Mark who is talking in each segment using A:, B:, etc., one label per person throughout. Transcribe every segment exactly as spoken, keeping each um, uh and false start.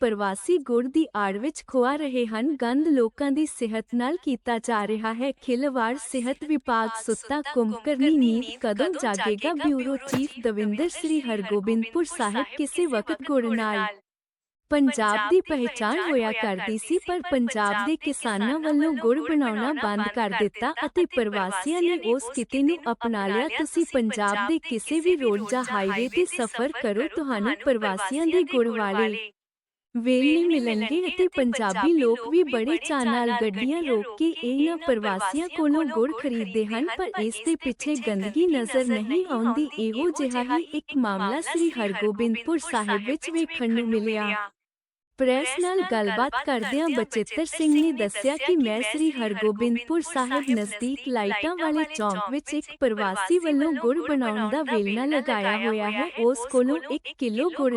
A: ਪ੍ਰਵਾਸੀ ਗੁੜ ਦੀ ਆੜ ਵਿੱਚ ਖੁਆ ਰਹੇ ਹਨ ਗੰਦ। ਲੋਕਾਂ ਦੀ ਸਿਹਤ ਨਾਲ ਕੀਤਾ ਜਾ ਰਿਹਾ ਹੈ ਖਿਲਵਾੜ। ਸਿਹਤ ਵਿਭਾਗ ਸੁੱਤਾ ਕੁੰਭਕਰਨੀ ਨੀਂਦ ਕਦੋਂ ਜਾਗੇਗਾ? Bureau chief Davinder. ਸ੍ਰੀ ਹਰਗੋਬਿੰਦਪੁਰ ਸਾਹਿਬ ਕਿਸੇ ਵਕਤ ਗੁੜ ਨਾਲ ਪੰਜਾਬ ਦੀ ਪਹਿਚਾਣ ਹੋਇਆ ਕਰਦੀ ਸੀ, ਪਰ ਪੰਜਾਬ ਦੇ ਕਿਸਾਨਾਂ ਵੱਲੋਂ ਗੁੜ ਬਣਾਉਣਾ ਬੰਦ ਕਰ ਦਿੱਤਾ ਅਤੇ ਪ੍ਰਵਾਸੀਆਂ ਨੇ ਉਸ ਕਿੱਤੇ ਨੂੰ ਅਪਣਾ ਲਿਆ। ਤੁਸੀਂ ਪੰਜਾਬ ਦੇ ਕਿਸੇ ਵੀ ਰੋਡ ਜਾਂ ਹਾਈਵੇ ਤੇ ਸਫ਼ਰ ਕਰੋ, ਤੁਹਾਨੂੰ ਪ੍ਰਵਾਸੀਆਂ ਦੇ ਗੁੜ ਵਾਲੇ ਵੇਲੇ ਮਿਲਣਗੇ ਅਤੇ ਪੰਜਾਬੀ ਲੋਕ ਵੀ ਬੜੇ ਚਾਅ ਨਾਲ ਗੱਡੀਆਂ ਰੋਕ ਕੇ ਇਹਨਾਂ ਪ੍ਰਵਾਸੀਆਂ ਕੋਲੋਂ ਗੁੜ ਖਰੀਦਦੇ ਹਨ। ਪਰ ਇਸ ਦੇ ਪਿੱਛੇ ਗੰਦਗੀ ਨਜ਼ਰ ਨਹੀਂ ਆਉਂਦੀ। ਇਹੋ ਜਿਹਾ ਹੀ ਇੱਕ ਮਾਮਲਾ ਸ੍ਰੀ ਹਰਗੋਬਿੰਦਪੁਰ ਸਾਹਿਬ ਵਿੱਚ ਵੇਖਣ ਨੂੰ ਮਿਲਿਆ। ਪ੍ਰੈਸ ਨਾਲ ਗੱਲਬਾਤ ਕਰਦਿਆਂ ਬਚਿੱਤਰ ਸਿੰਘ ਨੇ ਦੱਸਿਆ ਕਿ ਮੈਂ ਸ੍ਰੀ ਹਰਗੋਬਿੰਦਪੁਰ ਸਾਹਿਬ ਨਜ਼ਦੀਕ ਲਾਈਟਾਂ ਵਾਲੇ ਚੌਂਕ ਵਿੱਚ ਇੱਕ ਪ੍ਰਵਾਸੀ ਵੱਲੋਂ ਗੁੜ ਬਣਾਉਣ ਦਾ ਵੇਲਣਾ ਲਗਾਇਆ ਹੋਇਆ ਹੈ। ਉਸ ਕੋਲੋਂ ਇੱਕ ਕਿਲੋ ਗੁੜ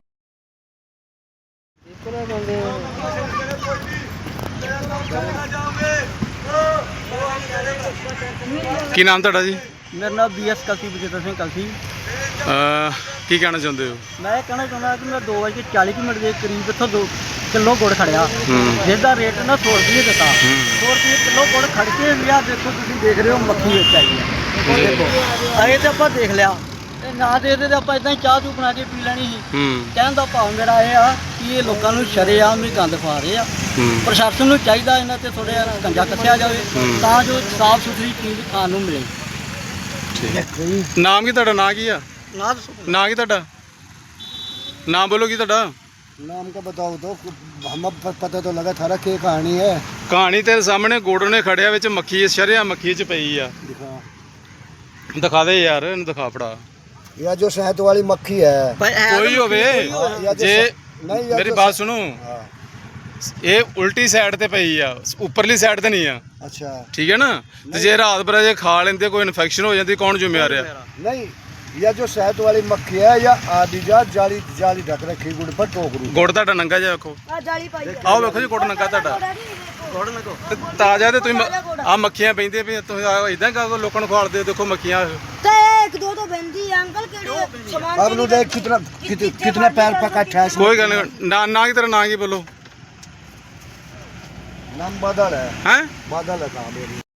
B: ਕੀ ਨਾਮ ਤੁਹਾਡਾ ਜੀ?
C: ਮੇਰਾ ਨਾਮ ਬੀ ਐਸ ਕਲਸੀ ਬਚਿੱਤਰ ਸਿੰਘ ਕਲਸੀ।
B: ਕੀ ਕਹਿਣਾ ਚਾਹੁੰਦੇ ਹੋ?
C: ਮੈਂ ਇਹ ਕਹਿਣਾ ਚਾਹੁੰਦਾ ਕਿ ਮੈਂ ਦੋ ਵਜੇ ਕੇ ਚਾਲੀ ਮਿੰਟ ਦੇ ਕਰੀਬ ਇੱਥੋਂ ਦੋ ਕਿਲੋ ਗੁੜ ਖੜਿਆ, ਜਿਸ ਦਾ ਰੇਟ ਨਾ ਸੌ ਰੁਪਏ ਦਿੱਤਾ। ਸੌ ਰੁਪਏ ਕਿਲੋ ਗੁੜ ਖੜ ਕੇ ਲਿਆ। ਦੇਖੋ ਤੁਸੀਂ ਦੇਖ ਰਹੇ ਹੋ ਮੱਖੀ ਵਿੱਚ ਆਈ ਹੈ। ਦੇਖੋ ਇਹ ਤੇ ਆਪਾਂ ਦੇਖ ਲਿਆ ਤੇ ਨਾ ਦੇ ਦੇ ਆਪਾਂ ਇਦਾਂ ਹੀ ਚਾਹ ਚੂ ਬਣਾ ਕੇ ਪੀ ਲੈਣੀ ਸੀ। ਕਹਿਣ ਦਾ ਭਾਵ ਮੇਰਾ ਇਹ ਆ ਕਿ ਇਹ ਲੋਕਾਂ ਨੂੰ ਸ਼ਰੇਆਮ ਹੀ ਗੰਦ ਪਾ ਰਹੇ ਆ। ਪ੍ਰਸ਼ਾਸਨ ਨੂੰ ਚਾਹੀਦਾ ਇਹਨਾਂ ਤੇ ਥੋੜ੍ਹਾ ਜਿਹਾ ਕੰਜਾ ਕੱਸਿਆ ਜਾਵੇ ਤਾਂ ਜੋ ਸਾਫ਼ ਸੁਥਰੀ ਚੀਜ਼ ਖਾਣ ਨੂੰ ਮਿਲੇ।
B: ਨਾਮ ਕੀ ਤੁਹਾਡਾ? ਨਾਂ ਕੀ ਆ?
C: ਨਾ
B: ਨਾਂ ਕੀ ਤੁਹਾਡਾ? ਨਾਮ ਬੋਲੋ ਕੀ ਤੁਹਾਡਾ?
D: नाम का बताओ तो हमें पता तो लगा था क्या कहानी है।
B: ਕਹਾਣੀ ਤੇਰੇ ਸਾਹਮਣੇ ਗੁੜ ਨੇ ਖੜਿਆ ਵਿੱਚ ਮੱਖੀ ਸ਼ਰਿਆ ਮੱਖੀ ਚ ਪਈ ਆ।
D: दिखा
B: ਦਿਖਾ ਦੇ ਯਾਰ, ਇਹਨੂੰ ਦਿਖਾ ਫੜਾ।
D: या जो शहद वाली मक्खी है
B: ਕੋਈ ਹੋਵੇ ਜੇ
D: नहीं या
B: ਮੇਰੀ
D: जो
B: ਬਾਤ ਸੁਣੋ,
D: हाँ,
B: ਇਹ ਉਲਟੀ ਸਾਈਡ ਤੇ ਪਈ ਆ, ਉੱਪਰਲੀ ਸਾਈਡ ਤੇ ਨਹੀਂ ਆ।
D: अच्छा
B: ਠੀਕ ਹੈ ਨਾ? ਤੇ ਜੇ ਰਾਤ ਭਰ ਜੇ ਖਾ ਲੈਂਦੇ ਕੋਈ ਇਨਫੈਕਸ਼ਨ ਹੋ ਜਾਂਦੀ, ਕੌਣ ਜ਼ਿੰਮੇਵਾਰ ਆ?
D: नहीं या जो शहद वाली मक्खी है या आदि जात जाली जाली ढक रखी गुड़ पर टोकरू।
B: ਗੁੜ ਤੁਹਾਡਾ ਨੰਗਾ ਜਿਹਾ ਵੇਖੋ। ਆਓ ਵੇਖੋ ਜੀ, ਗੁੜ ਨੰਗਾ ਤੁਹਾਡਾ ਤੇ ਤਾਜ਼ਾ। ਤੇ ਤੁਸੀਂ ਆ ਮੱਖੀਆਂ ਪੈਂਦੀਆਂ ਪਈਆਂ, ਤੁਸੀਂ ਇਦਾਂ ਕਹੋ ਲੋਕਾਂ ਨੂੰ ਖਵਾਲਦੇ ਹੋ। ਦੇਖੋ ਮੱਖੀਆਂ
E: एक दो तो बंदी है अंकल केड़े सामान
D: अब नु देख कितना कित, कितना पैर पका है।
B: ਕੋਈ ਗੱਲ ਨਹੀਂ। ਨਾ ਨਾ ਕੀ ਤੇਰਾ ਨਾਂ ਕੀ? ਬੋਲੋ।
D: नाम बादल है।
B: हैं
D: बादल है नाम मेरी।